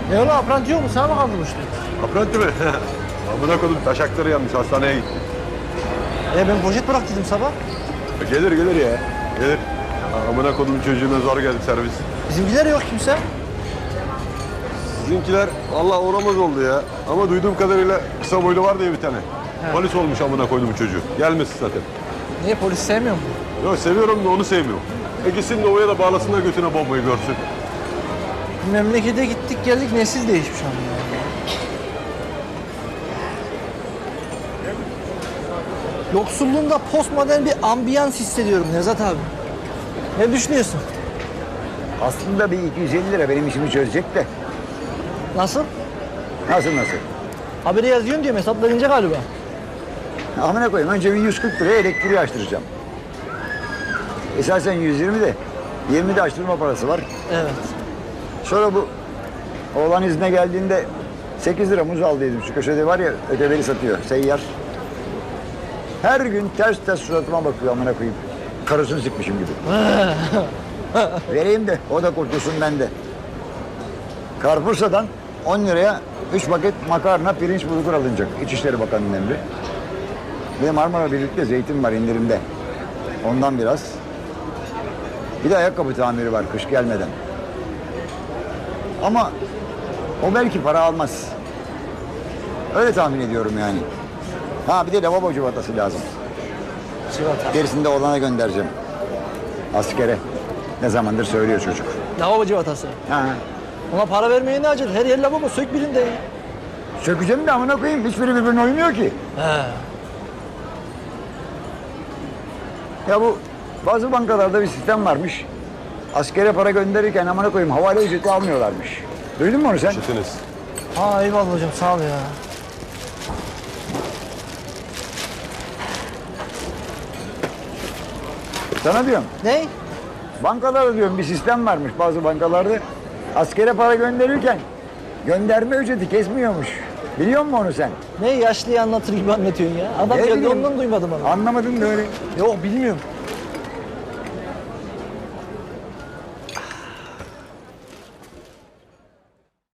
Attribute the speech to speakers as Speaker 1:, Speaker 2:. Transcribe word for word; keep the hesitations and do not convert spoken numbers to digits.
Speaker 1: E oğlum apranti yok mu? Sana mı kaldırmıştın?
Speaker 2: Apranti mi? Amına koydum taşakları yanmış hastaneye gitti.
Speaker 1: E ben poşet bıraktıydım sabah.
Speaker 2: Gelir gelir ya. Gelir. Amına koydum çocuğuna zor geldi servis.
Speaker 1: Bizimkiler yok kimse.
Speaker 2: Sizinkiler Allah uğramaz oldu ya. Ama duyduğum kadarıyla kısa boylu var diye bir tane.
Speaker 1: He.
Speaker 2: Polis olmuş amına koydum çocuğu. Gelmesin zaten.
Speaker 1: Niye polis sevmiyor mu?
Speaker 2: Yok seviyorum da onu sevmiyorum. E gitsin de ovaya da bağlasınlar götüne bombayı görsün.
Speaker 1: Memlekete gittik geldik nesil değişmiş ama ya. Yoksulluğunda postmodern bir ambiyans hissediyorum Nevzat abi. Ne düşünüyorsun?
Speaker 3: Aslında bir iki yüz elli lira benim işimi çözecek de.
Speaker 1: Nasıl?
Speaker 3: Nasıl nasıl?
Speaker 1: Haberi yazıyorsun diyorum hesaplayınca galiba.
Speaker 3: Amına koyayım önce bir yüz kırk liraya elektriği açtıracağım. Esasen yüz yirmi de yirmi de açtırma parası var.
Speaker 1: Evet.
Speaker 3: Sonra bu oğlan izne geldiğinde sekiz lira muz aldıydım. Şu köşede var ya öteberi satıyor seyyar. Her gün ters ters suratıma bakıyor amına koyayım. Karısını sıkmışım gibi. Vereyim de o da kurtulsun ben de. Carrefour'dan on liraya üç paket makarna, pirinç, bulgur alınacak. İçişleri Bakanı'nın emri. Ve Marmara Birlik'te zeytin var indirimde. Ondan biraz. Bir de ayakkabı tamiri var kış gelmeden. Ama o belki para almaz. Öyle tahmin ediyorum yani. Ha bir de lavabo civatası lazım.
Speaker 1: Civata.
Speaker 3: Gerisini de oğlana göndereceğim. Askere. Ne zamandır söylüyor çocuk.
Speaker 1: Lavabo civatası.
Speaker 3: Ha.
Speaker 1: Ona para vermeye ne acil? Her yer lavabo sök birinde ya.
Speaker 3: Sökeceğim de amına koyayım. Hiçbiri birbirine uymuyor ki.
Speaker 1: He.
Speaker 3: Ya bu bazı bankalarda bir sistem varmış. Askere para gönderirken amına koyayım havale ücreti almıyorlarmış. Duydun mu onu sen?
Speaker 2: Çetiniz.
Speaker 1: Ha eyvallah hocam sağ ol ya.
Speaker 3: Sana diyorum.
Speaker 1: Ne?
Speaker 3: Bankalarda diyorum bir sistem varmış bazı bankalarda. Askere para gönderirken gönderme ücreti kesmiyormuş. Biliyor musun onu sen?
Speaker 1: Ne yaşlıyı anlatır gibi anlatıyorsun ya. Adam
Speaker 3: Ne
Speaker 1: geldi
Speaker 3: bileyim,
Speaker 1: ondan duymadım onu.
Speaker 3: Anlamadın da öyle.
Speaker 1: Yok bilmiyorum.